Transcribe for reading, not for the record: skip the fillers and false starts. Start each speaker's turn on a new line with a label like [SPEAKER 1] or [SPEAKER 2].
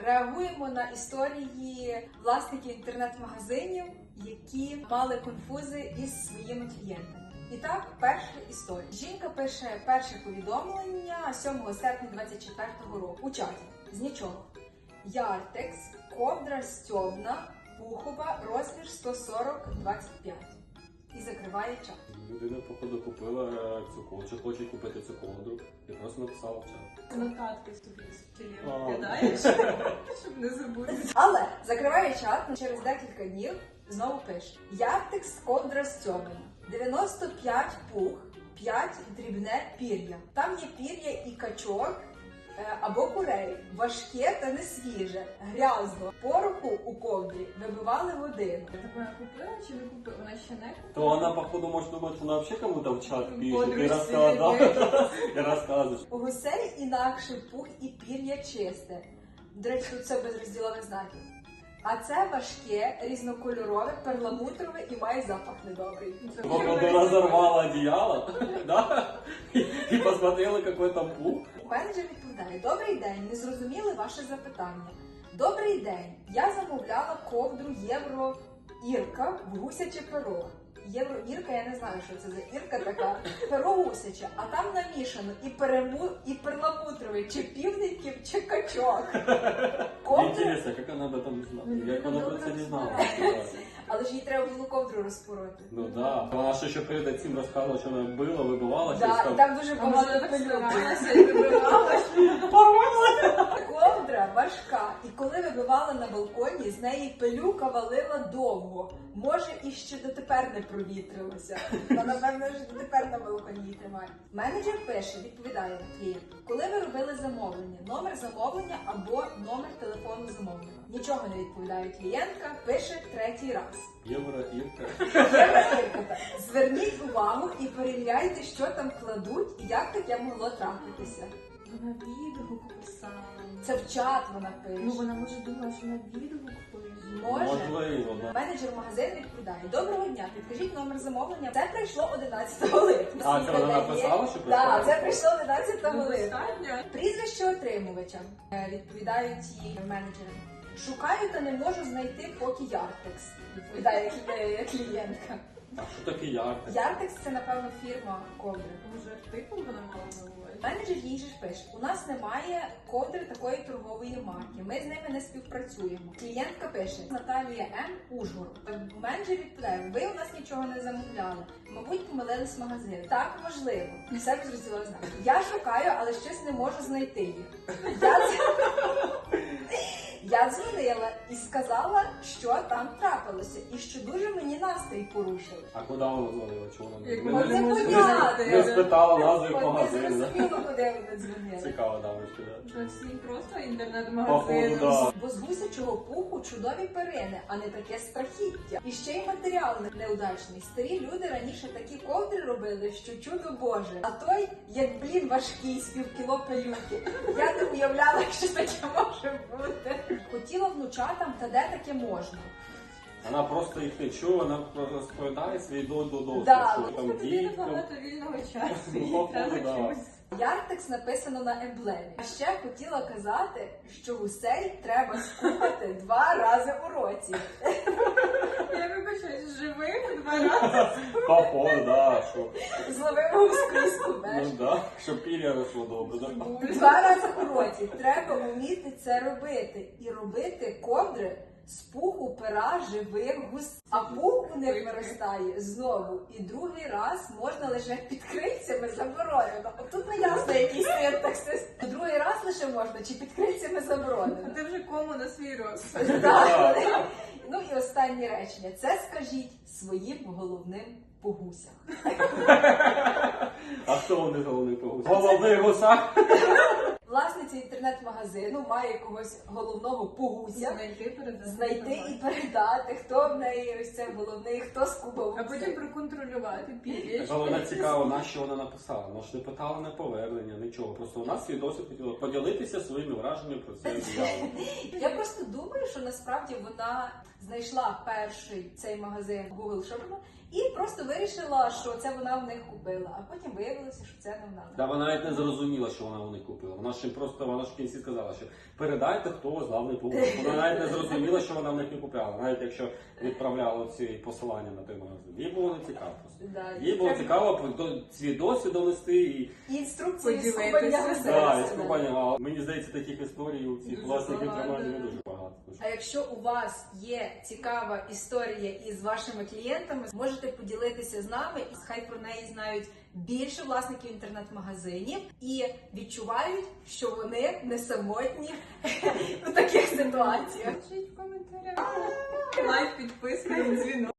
[SPEAKER 1] Реагуємо на історії власників інтернет-магазинів, які мали конфузи із своїми клієнтами. І так, перша історія. Жінка пише перше повідомлення 7 серпня 2024 року у чаті. З нічого. Яртекс, ковдра стьобна, пухова, розмір 140-25. І закриває чат.
[SPEAKER 2] Людина, походу, купила цю ковдру, чи хоче купити цю ковдру, і просто написала в чат.
[SPEAKER 3] Нотатки собі з тілем кидаєш, щоб не забути.
[SPEAKER 1] Але закриває чат, через декілька днів знову пише. Яртекс, ковдра стьобна, 95 пух, 5 дрібне пір'я. Там є пір'я і качок, або курей, важке та не свіже, грязно. Пороху у ковдрі вибивали годину.
[SPEAKER 3] Так вона купила чи не купила? Вона ще не купила?
[SPEAKER 2] То вона, походу, може думати, що вона взагалі кому-то в чат пише,
[SPEAKER 3] Подружці
[SPEAKER 2] ти розказуєш.
[SPEAKER 1] У гусей інакше пух і пір'я чисте. До речі, тут все без розділових знаків. А це важке, різнокольорове, перламутрове і має запах недобрий.
[SPEAKER 2] Походу, розорвала одеяло, да? І посмотрела, який там пух.
[SPEAKER 1] Менеджер відповідає: добрий день, не зрозуміли ваше запитання. Добрий день, я замовляла ковдру Євро Ірка в гусяче перо. Євро Ірка, я не знаю, що це за Ірка така. Перо гусяче, а там намішано і перламутровий, чи півників, чи качок.
[SPEAKER 2] Інтересно, як вона об этом знала? Як вона про це не знала?
[SPEAKER 1] Але ж їй треба було ковдру розпороти.
[SPEAKER 2] Ну да. Вона ще перед цим розказувала, що вона била, вибивала.
[SPEAKER 1] Да, і там дуже
[SPEAKER 3] А вона
[SPEAKER 1] багато
[SPEAKER 3] так
[SPEAKER 1] пилюки.
[SPEAKER 3] старалася і вибиралась.
[SPEAKER 1] Ковдра важка, і коли вибивала на балконі, з неї пилюка валила довго. Може, і ще дотепер не провітрилося. Та, напевно, ж дотепер на балконі її тримає. Менеджер пише, відповідає клієнту: коли ви робили замовлення, номер замовлення або номер телефону замовника. Нічого не відповідає клієнтка, пише третій раз.
[SPEAKER 2] Євро Ірка.
[SPEAKER 1] Зверніть увагу і перевіряйте, що там кладуть і як таке могло трапитися.
[SPEAKER 3] Вона відгук писала.
[SPEAKER 1] Це в чат вона пише.
[SPEAKER 3] Ну вона може думала, що вона відгук пише.
[SPEAKER 1] Може.
[SPEAKER 2] Можливо, да.
[SPEAKER 1] Менеджер магазину відповідає: доброго дня, підкажіть номер замовлення. Це прийшло 11 липня.
[SPEAKER 2] А, це вона написала, що прийшло?
[SPEAKER 1] Так, це прийшло 11 липня.
[SPEAKER 3] Достатньо.
[SPEAKER 1] Прізвище отримувача. Відповідають їй менеджери. Шукаю та не можу знайти поки Яртекс. Відповідає клієнтка.
[SPEAKER 2] А що таке Яртекс?
[SPEAKER 1] Яртекс – це, напевно, фірма ковдри.
[SPEAKER 3] Може артикул вона мала на увазі?
[SPEAKER 1] Менеджер їй же ж пише: у нас немає ковдри такої торгової марки, ми з ними не співпрацюємо. Клієнтка пише: Наталія М. Ужгород. Менеджер відповідає: ви у нас нічого не замовляли, мабуть, помилились магазин. Так, можливо. Все без розділових знаків. Я шукаю, але щось не можу знайти їх. Я дзвонила і сказала, що там трапилося, і що дуже мені настрій порушили.
[SPEAKER 2] А куди вона дзвонила? Чого вона
[SPEAKER 3] Як
[SPEAKER 2] не
[SPEAKER 3] вона
[SPEAKER 1] не
[SPEAKER 3] може
[SPEAKER 1] понятно.
[SPEAKER 2] не спитала назви
[SPEAKER 1] От не
[SPEAKER 2] магазину, да?
[SPEAKER 1] зрозуміло, куди вони дзвонили.
[SPEAKER 2] Цікаво, дамочки, да?
[SPEAKER 3] Що всі просто
[SPEAKER 2] Походу,
[SPEAKER 3] інтернет-магазин.
[SPEAKER 2] да.
[SPEAKER 1] Бо з гусячого пуху чудові перини, а не таке страхіття. І ще й матеріал неудачний. Старі люди раніше такі ковдри робили, що чудо Боже. А той, як блін, важкий, з півкіло пилюки. Я не уявляла, що таке може бути. Хотіла внучатам, та де таке можна.
[SPEAKER 2] Вона просто їх не чує, вона розповідає свій досвід,
[SPEAKER 1] Да.
[SPEAKER 2] що там
[SPEAKER 3] Тобі
[SPEAKER 2] діти.
[SPEAKER 3] багато вільного часу.
[SPEAKER 2] Ну,
[SPEAKER 3] Їй
[SPEAKER 2] походу,
[SPEAKER 3] треба
[SPEAKER 2] да.
[SPEAKER 3] чогось.
[SPEAKER 1] Яртекс написано на емблемі. А ще хотіла казати, що гусей треба скупати 2 рази у році.
[SPEAKER 3] Я вибачаюсь, живим 2 рази.
[SPEAKER 2] Походу, да, що.
[SPEAKER 1] Зловимо гускрізку
[SPEAKER 2] Ну да, щоб пір'я росло добре, да?
[SPEAKER 1] 2 рази у році. Треба вміти це робити. І робити ковдри з пуху пера живих гусей. А пух у них виростає знову. І другий раз можна лише під крильцями, заборонено. Тут не ясно, який синтаксис. Другий раз лише можна, чи під крильцями
[SPEAKER 3] А
[SPEAKER 1] заборонено.
[SPEAKER 3] ти вже кому на свій розсуд.
[SPEAKER 1] Так. Ну і останнє речення. Це скажіть своїм головним по гусях.
[SPEAKER 2] А хто вони головний погус? Головний гусак?
[SPEAKER 1] Власниця інтернет-магазину має когось головного по гусях. Знайти і передати, хто в неї ось це головний, хто скубав.
[SPEAKER 3] А потім проконтролювати пір'я.
[SPEAKER 2] Але вона цікаво, на що вона написала. Вона ж не питала на повернення, нічого. Просто вона свій досвід хотіла поділитися своїми враженнями про це діяло.
[SPEAKER 1] Я просто думаю, що насправді вона знайшла перший цей магазин Google Shopping і просто вирішила, що це вона в них купила. А потім виявилося, що це не вона.
[SPEAKER 2] Да, вона навіть не зрозуміла, що вона у них купила. Вона ж в кінці сказала, що передайте, хто у вас главний повар. Вона навіть не зрозуміла, що вона в них не купляла. Навіть якщо відправляла ці посилання на той магазин. Їй було не цікаво просто.
[SPEAKER 1] Да,
[SPEAKER 2] Їй було цікаво свій досвід донести і
[SPEAKER 1] І інструкції з
[SPEAKER 3] Поділитися.
[SPEAKER 1] купання
[SPEAKER 2] да, і
[SPEAKER 1] гостей.
[SPEAKER 2] скупання. Мені здається, таких історій у цих
[SPEAKER 3] Дуже
[SPEAKER 2] власників
[SPEAKER 3] багато.
[SPEAKER 2] тримання не дуже багато.
[SPEAKER 1] А якщо у вас є цікава історія із вашими клієнтами, можете поділитися з нами, і хай про неї знають більше власників інтернет-магазинів і відчувають, що вони не самотні у таких ситуаціях.
[SPEAKER 3] Пишіть в коментарях. Лайк, підписка, дзвінок.